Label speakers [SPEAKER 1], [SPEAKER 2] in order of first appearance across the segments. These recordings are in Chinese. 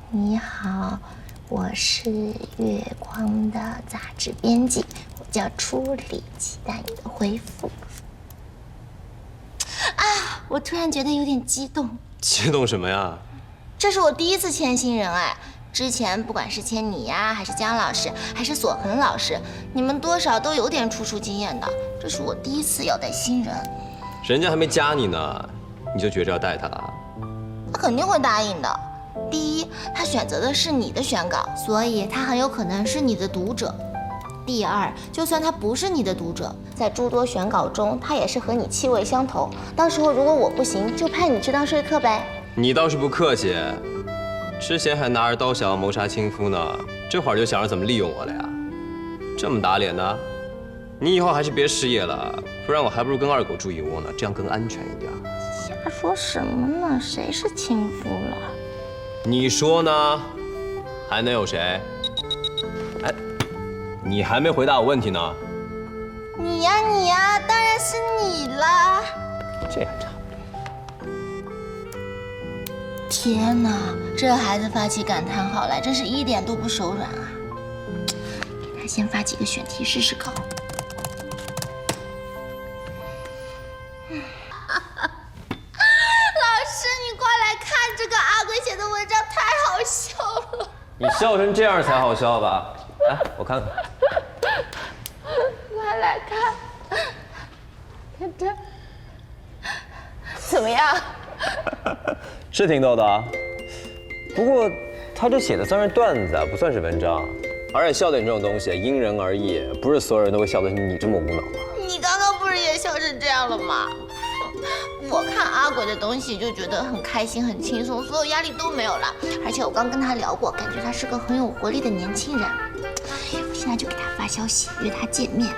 [SPEAKER 1] 你好，我是月光的杂志编辑，我叫初里，期待你的回复。啊，我突然觉得有点激动。
[SPEAKER 2] 激动什么呀？
[SPEAKER 1] 这是我第一次签新人哎，之前不管是签你呀，还是姜老师，还是索恒老师，你们多少都有点出书经验的。这是我第一次要带新人，
[SPEAKER 2] 人家还没加你呢，你就觉着要带他了？
[SPEAKER 1] 他肯定会答应的。第一，他选择的是你的选稿，所以他很有可能是你的读者。第二，就算他不是你的读者，在诸多选稿中，他也是和你气味相投。到时候如果我不行，就派你去当说客呗。
[SPEAKER 2] 你倒是不客气，之前还拿着刀想要谋杀亲夫呢，这会儿就想着怎么利用我了呀？这么打脸呢？你以后还是别失业了，不然我还不如跟二狗住一窝呢，这样更安全一点。
[SPEAKER 1] 瞎说什么呢？谁是亲夫了？
[SPEAKER 2] 你说呢？还能有谁？哎，你还没回答我问题呢。
[SPEAKER 1] 你呀，当然是你啦。
[SPEAKER 2] 这还差不多。
[SPEAKER 1] 天哪，这孩子发起感叹号来，真是一点都不手软啊！给他先发几个选题试试考。老师，你快来看这个阿鬼写的文章，太好笑了。
[SPEAKER 2] 你笑成这样才好笑吧？来，我看看。
[SPEAKER 1] 快来看，看这，怎么样？
[SPEAKER 2] 是挺逗的啊，不过他这写的算是段子啊，不算是文章。而且笑点这种东西因人而异，不是所有人都会笑得像你这么无脑吧？
[SPEAKER 1] 你刚刚不是也笑成这样了吗？我看阿鬼的东西就觉得很开心、很轻松，所有压力都没有了。而且我刚跟他聊过，感觉他是个很有活力的年轻人。我现在就给他发消息约他见面。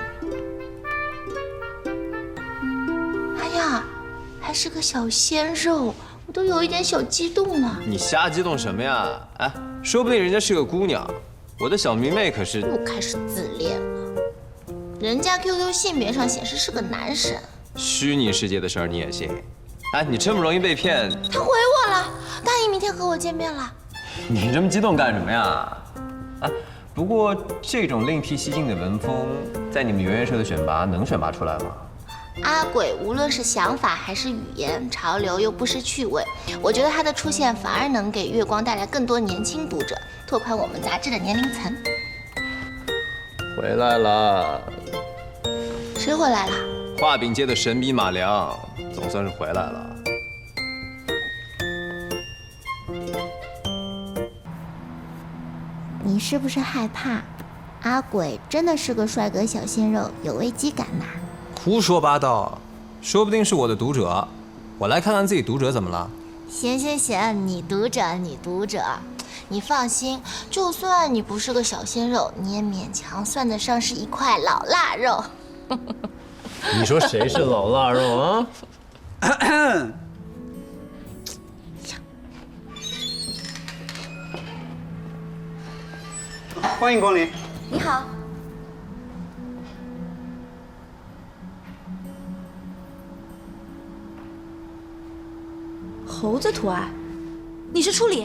[SPEAKER 1] 哎呀，还是个小鲜肉，我都有一点小激动了。
[SPEAKER 2] 你瞎激动什么呀？哎，说不定人家是个姑娘，我的小迷妹可是……
[SPEAKER 1] 又开始自恋了。人家 QQ 性别上显示是个男生。
[SPEAKER 2] 虚拟世界的事儿你也信？哎，你这么容易被骗？
[SPEAKER 1] 他回我了，答应明天和我见面了。
[SPEAKER 2] 你这么激动干什么呀？啊，不过这种另辟蹊径的文风，在你们圆圆社的选拔能选拔出来吗？
[SPEAKER 1] 阿鬼无论是想法还是语言，潮流又不失趣味。我觉得他的出现反而能给月光带来更多年轻读者，拓宽我们杂志的年龄层。
[SPEAKER 2] 回来了。
[SPEAKER 1] 谁回来了？
[SPEAKER 2] 画饼界的神笔马良，总算是回来了。
[SPEAKER 1] 你是不是害怕？阿鬼真的是个帅哥小鲜肉，有危机感呐？
[SPEAKER 2] 胡说八道，说不定是我的读者。我来看看自己读者怎么了。
[SPEAKER 1] 行，你读者，你放心，就算你不是个小鲜肉，你也勉强算得上是一块老腊肉。
[SPEAKER 2] 你说谁是老腊肉啊？
[SPEAKER 3] 欢迎光临。
[SPEAKER 1] 你好。
[SPEAKER 4] 猴子图案，你是初里？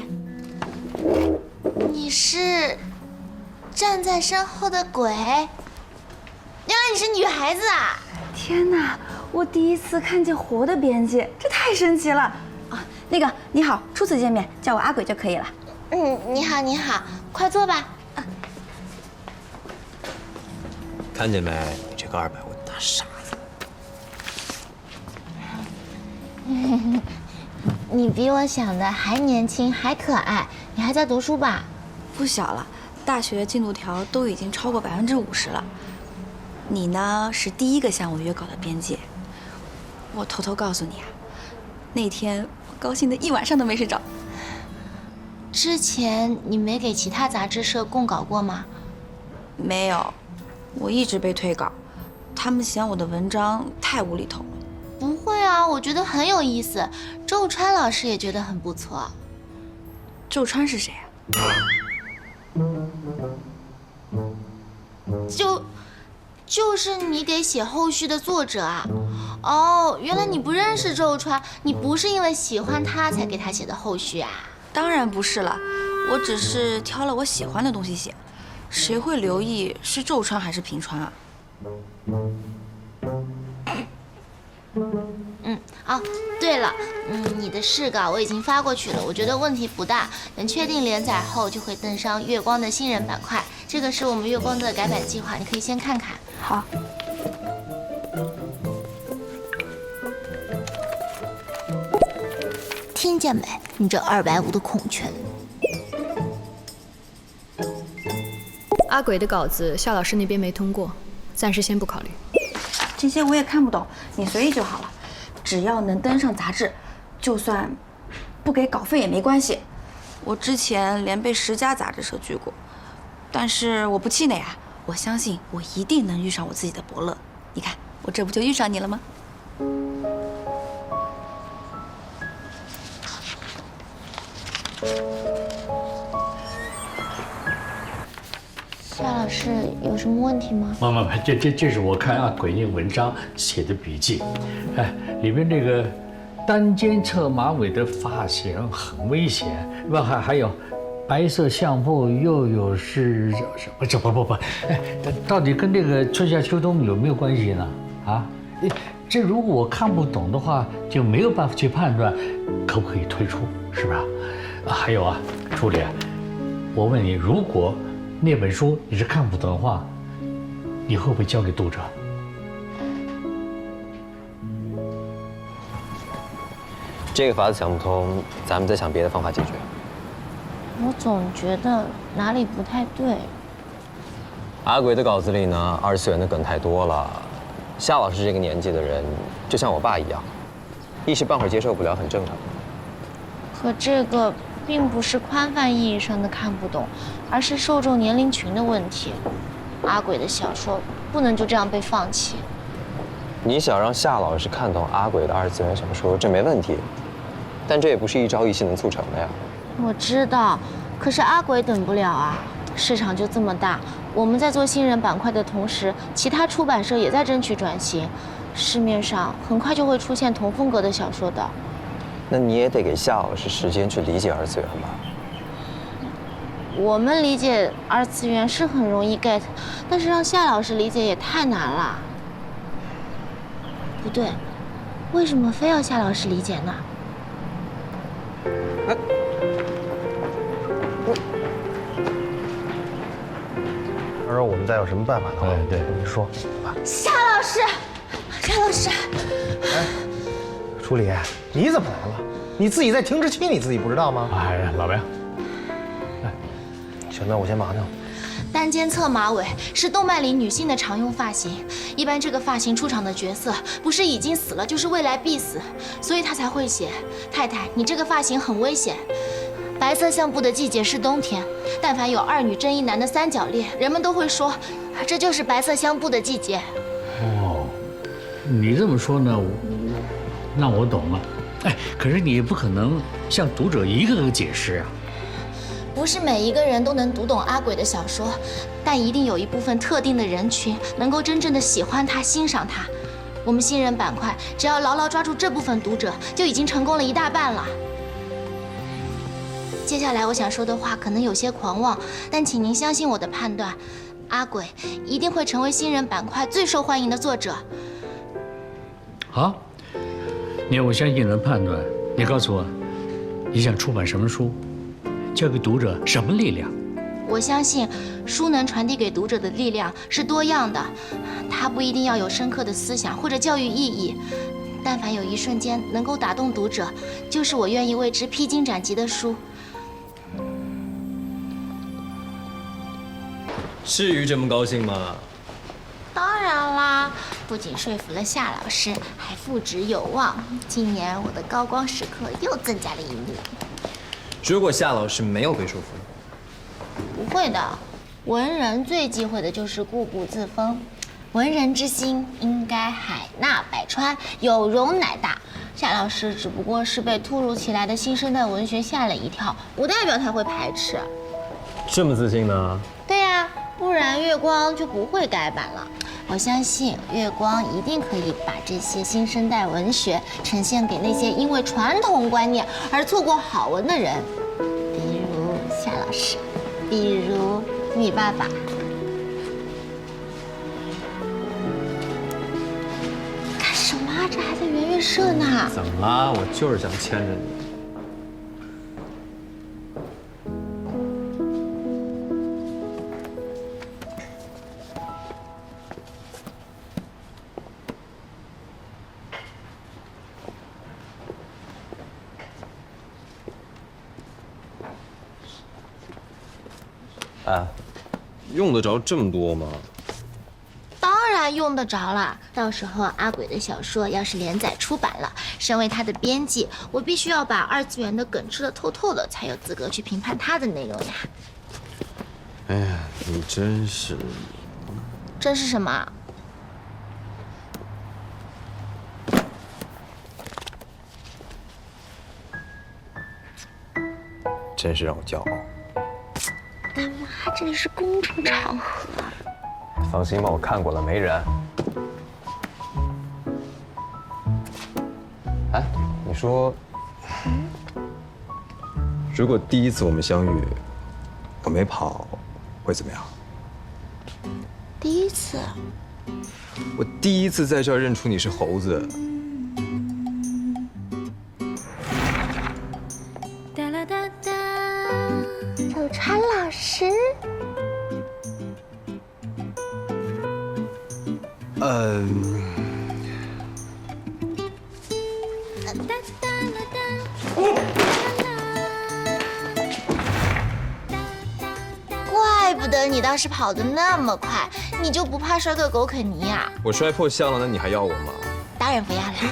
[SPEAKER 1] 你是站在身后的鬼？原来你是女孩子啊！
[SPEAKER 4] 天哪，我第一次看见活的编辑，这太神奇了啊！那个你好，初次见面，叫我阿鬼就可以了。
[SPEAKER 1] 你好，快坐吧。
[SPEAKER 2] 看见没？你这个200万大傻子！
[SPEAKER 1] 你比我想的还年轻，还可爱。你还在读书吧？
[SPEAKER 4] 不小了，大学进度条都已经超过50%了。你呢，是第一个向我约稿的编辑。我偷偷告诉你啊，那天我高兴的一晚上都没睡着。
[SPEAKER 1] 之前你没给其他杂志社供稿过吗？
[SPEAKER 4] 没有，我一直被退稿，他们嫌我的文章太无厘头了。
[SPEAKER 1] 不会啊，我觉得很有意思。周川老师也觉得很不错。
[SPEAKER 4] 周川是谁啊？
[SPEAKER 1] 就是你给写后续的作者啊。哦，原来你不认识周川，你不是因为喜欢他才给他写的后续啊？
[SPEAKER 4] 当然不是了， 我只是挑了我喜欢的东西写，谁会留意是皱川还是平川啊？
[SPEAKER 1] 哦，对了，你的试稿我已经发过去了，我觉得问题不大。等确定连载后，就会登上月光的新人板块。这个是我们月光的改版计划，你可以先看看。
[SPEAKER 4] 好。
[SPEAKER 1] 听见没？你这250的孔雀。
[SPEAKER 3] 阿鬼的稿子，夏老师那边没通过，暂时先不考虑。
[SPEAKER 4] 这些我也看不懂，你随意就好了。只要能登上杂志，就算不给稿费也没关系。我之前连被10家杂志社拒过，但是我不气馁啊！我相信我一定能遇上我自己的伯乐。你看，我这不就遇上你了吗？
[SPEAKER 1] 夏老师有什么问题吗？
[SPEAKER 5] 妈妈，这是我看阿鬼那文章写的笔记，哎，里面这个单肩侧马尾的发型很危险，还有白色相簿又有是什么不，哎，到底跟这个春夏秋冬有没有关系呢？啊，这如果我看不懂的话，就没有办法去判断可不可以退出，是吧？还有啊，朱莉，我问你，如果那本书你是看不懂的话，你会不会交给读者？
[SPEAKER 2] 这个法子想不通，咱们再想别的方法解决。
[SPEAKER 1] 我总觉得哪里不太对。
[SPEAKER 2] 阿鬼的稿子里呢，2次元的梗太多了。夏老师这个年纪的人，就像我爸一样，一时半会儿接受不了，很正常。
[SPEAKER 1] 可这个并不是宽泛意义上的看不懂，而是受众年龄群的问题。阿鬼的小说不能就这样被放弃。
[SPEAKER 2] 你想让夏老师看懂阿鬼的2次元小说，这没问题，但这也不是一朝一夕能促成的呀。
[SPEAKER 1] 我知道，可是阿鬼等不了啊，市场就这么大。我们在做新人板块的同时，其他出版社也在争取转型，市面上很快就会出现同风格的小说的。
[SPEAKER 2] 那你也得给夏老师时间去理解2次元吧。
[SPEAKER 1] 我们理解2次元是很容易 get， 但是让夏老师理解也太难了。不对，为什么非要夏老师理解呢？
[SPEAKER 6] 他说我们再有什么办法的话，
[SPEAKER 5] 对，
[SPEAKER 6] 你说吧。
[SPEAKER 1] 夏老师，夏老师，
[SPEAKER 6] 楚理，你怎么来了？你自己在停滞期，你自己不知道吗？
[SPEAKER 5] 哎，老白，
[SPEAKER 6] 行，那我先忙去了。
[SPEAKER 1] 单肩侧马尾是动漫里女性的常用发型，一般这个发型出场的角色不是已经死了，就是未来必死，所以他才会写太太，你这个发型很危险。白色相簿的季节是冬天，但凡有2女争1男的3角恋，人们都会说这就是白色相簿的季节。
[SPEAKER 5] 哦，你这么说呢，那我懂了。哎，可是你也不可能向读者一个个解释啊。
[SPEAKER 1] 不是每一个人都能读懂阿鬼的小说，但一定有一部分特定的人群能够真正的喜欢他、欣赏他。我们新人板块只要牢牢抓住这部分读者，就已经成功了1大半了。接下来我想说的话可能有些狂妄，但请您相信我的判断，阿鬼一定会成为新人板块最受欢迎的作者。
[SPEAKER 5] 好，我相信你的判断。你告诉我，你想出版什么书？交给读者什么力量？
[SPEAKER 1] 我相信书能传递给读者的力量是多样的，它不一定要有深刻的思想或者教育意义，但凡有一瞬间能够打动读者，就是我愿意为之披荆斩棘的书。
[SPEAKER 2] 至于这么高兴吗？
[SPEAKER 1] 当然啦，不仅说服了夏老师，还复职有望。今年我的高光时刻又增加了1幕。
[SPEAKER 2] 如果夏老师没有被说服，
[SPEAKER 1] 不会的，文人最忌讳的就是固步自封。文人之心应该海纳百川，有容乃大。夏老师只不过是被突如其来的新生代文学吓了一跳，不代表他会排斥。
[SPEAKER 2] 这么自信呢？
[SPEAKER 1] 对呀，不然月光就不会改版了。我相信月光一定可以把这些新生代文学呈现给那些因为传统观念而错过好文的人，比如夏男老师，比如你爸爸。干什么啊？这还在圆月社呢。
[SPEAKER 2] 怎么了？我就是想牵着你。哎，用得着这么多吗？
[SPEAKER 1] 当然用得着啦！到时候阿鬼的小说要是连载出版了，身为他的编辑，我必须要把二次元的梗吃得透透的，才有资格去评判他的内容呀。
[SPEAKER 2] 哎呀，你真是……
[SPEAKER 1] 这是什么？
[SPEAKER 2] 真是让我骄傲。
[SPEAKER 1] 大妈，这里是公众场合。
[SPEAKER 2] 放心吧，我看过了，没人。哎，你说，如果第一次我们相遇，我没跑，会怎么样？
[SPEAKER 1] 第一次，
[SPEAKER 2] 我第一次在这儿认出你是猴子。
[SPEAKER 1] 哒啦哒哒，小川老师。怪不得你当时跑得那么快，你就不怕摔个狗啃泥呀？
[SPEAKER 2] 我摔破相了，那你还要我吗？
[SPEAKER 1] 当然不要啦。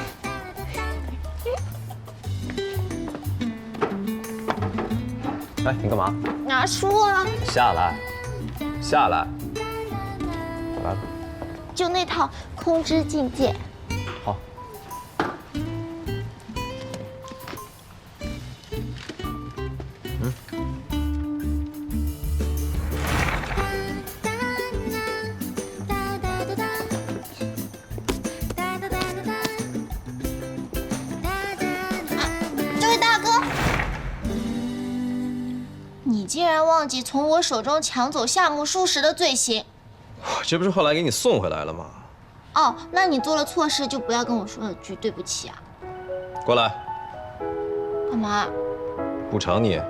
[SPEAKER 2] 哎，你干嘛？
[SPEAKER 1] 拿书啊，
[SPEAKER 2] 下来，下来，来吧。
[SPEAKER 1] 就那套《空之境界》。
[SPEAKER 2] 好。
[SPEAKER 1] 这位大哥，你竟然忘记从我手中抢走夏目漱石的罪行。
[SPEAKER 2] 这不是后来给你送回来了吗？
[SPEAKER 1] 哦，那你做了错事就不要跟我说了句对不起啊。
[SPEAKER 2] 过来，
[SPEAKER 1] 干嘛？
[SPEAKER 2] 补偿你。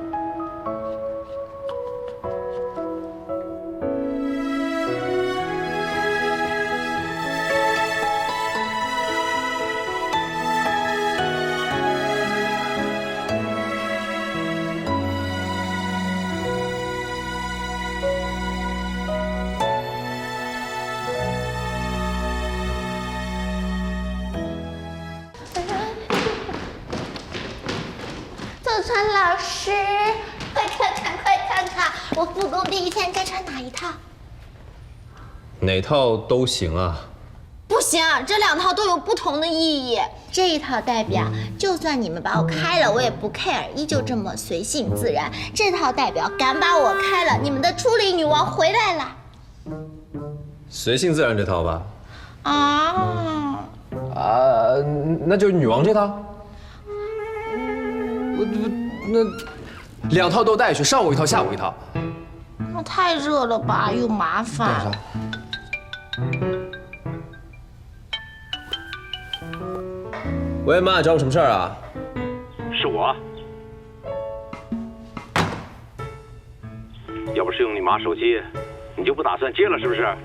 [SPEAKER 1] 小川老师，快看看，快看看，我复工第一天该穿哪一套？
[SPEAKER 2] 哪套都行啊。
[SPEAKER 1] 不行，这两套都有不同的意义。这一套代表，就算你们把我开了，我也不 care， 依旧这么随性自然。这套代表，敢把我开了，你们的初恋女王回来了。
[SPEAKER 2] 随性自然这套吧。
[SPEAKER 1] 啊，
[SPEAKER 2] 那就是女王这套。那两套都带去，上午一套，下午一套。
[SPEAKER 1] 那太热了吧，又麻烦。
[SPEAKER 2] 喂，妈，找我什么事儿啊？
[SPEAKER 7] 是我。要不是用你妈手机，你就不打算接了是不是？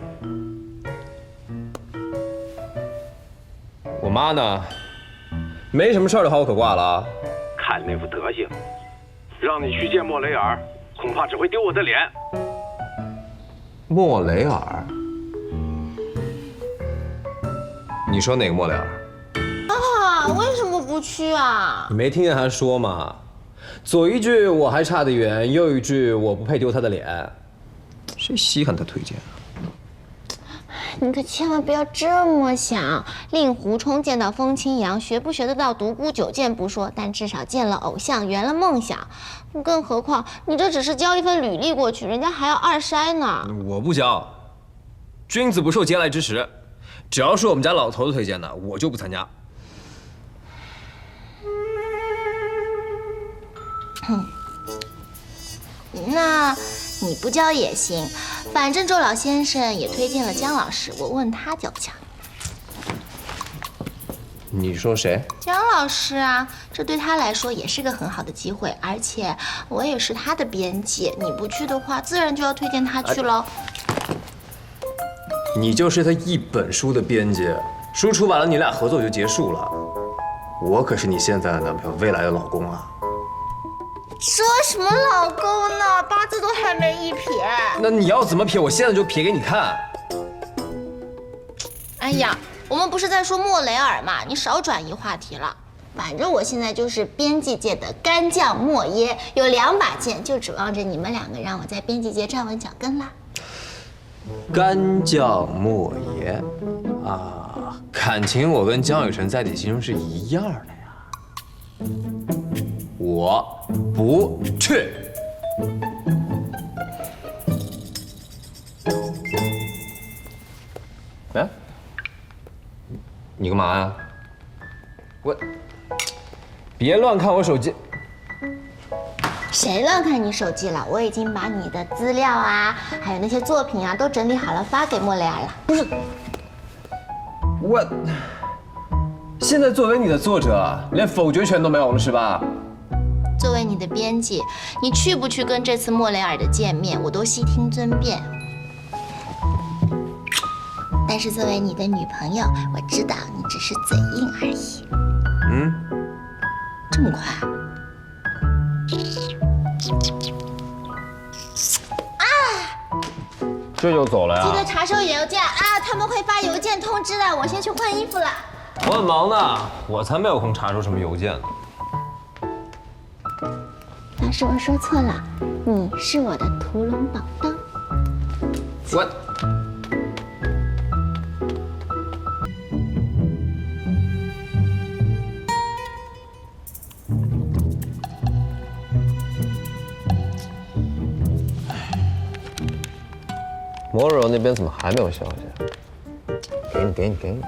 [SPEAKER 2] 我妈呢？没什么事儿的话，我可挂了啊。
[SPEAKER 7] 看那副德行，让你去见莫雷尔，恐怕只会丢我的脸。
[SPEAKER 2] 莫雷尔？你说哪个莫雷尔？
[SPEAKER 1] 啊，为什么不去啊？
[SPEAKER 2] 你没听见他说吗？左一句我还差得远，右一句我不配丢他的脸。谁稀罕他推荐啊？
[SPEAKER 1] 你可千万不要这么想。令狐冲见到风清扬，学不学得到独孤九剑不说，但至少见了偶像，圆了梦想。更何况你这只是交一份履历过去，人家还要二筛呢。
[SPEAKER 2] 我不交，君子不受嗟来之食。只要是我们家老头子推荐的，我就不参加。
[SPEAKER 1] 那你不交也行，反正周老先生也推荐了姜老师，我问他交不交。
[SPEAKER 2] 你说谁？
[SPEAKER 1] 姜老师啊，这对他来说也是个很好的机会，而且我也是他的编辑，你不去的话，自然就要推荐他去喽。
[SPEAKER 2] 你就是他一本书的编辑，书出版了，你俩合作就结束了。我可是你现在的男朋友，未来的老公啊！
[SPEAKER 1] 说什么老公呢？八字都还没一撇。
[SPEAKER 2] 那你要怎么撇？我现在就撇给你看。
[SPEAKER 1] 哎呀，我们不是在说莫雷尔嘛，你少转移话题了。反正我现在就是编辑界的干将莫耶，有2把剑，就指望着你们2个让我在编辑界站稳脚跟啦。
[SPEAKER 2] 干将莫邪啊，感情我跟江雨晨在你心中是一样的呀。我不去。哎，你干嘛呀？我，别乱看我手机。
[SPEAKER 1] 谁乱看你手机了？我已经把你的资料啊，还有那些作品啊，都整理好了发给莫雷尔了。
[SPEAKER 2] 不是，我现在作为你的作者，连否决权都没有了是吧？
[SPEAKER 1] 作为你的编辑，你去不去跟这次莫雷尔的见面，我都悉听尊便。但是作为你的女朋友，我知道你只是嘴硬而已。
[SPEAKER 2] 嗯，
[SPEAKER 1] 这么快？
[SPEAKER 2] 这就走了呀？
[SPEAKER 1] 记得查收邮件啊，他们会发邮件通知的。我先去换衣服了。
[SPEAKER 2] 我很忙呢，我才没有空查收什么邮件呢。
[SPEAKER 1] 老师，我说错了，你是我的屠龙宝刀。
[SPEAKER 2] 我。摩柔那边怎么还没有消息？给你。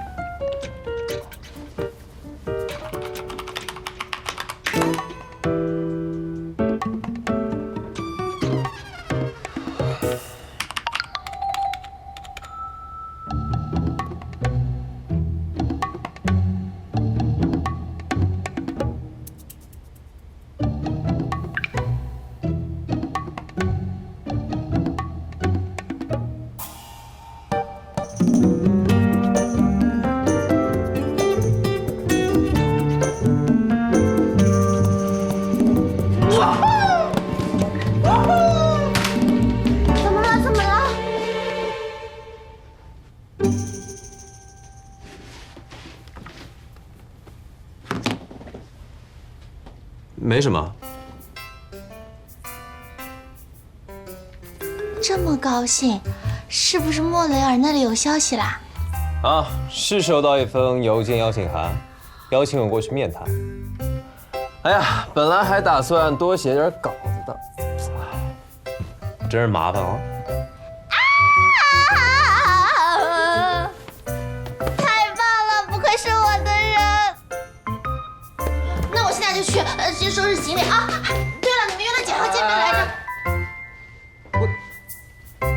[SPEAKER 1] 怎么了？
[SPEAKER 2] 没什么。
[SPEAKER 1] 这么高兴，是不是莫雷尔那里有消息啦？
[SPEAKER 2] 啊，是收到一封邮件邀请函，邀请我过去面谈。哎呀，本来还打算多写点稿子的，真是麻烦哦。
[SPEAKER 1] 太棒了，不愧是我的人。那我现在就去，先收拾行李啊。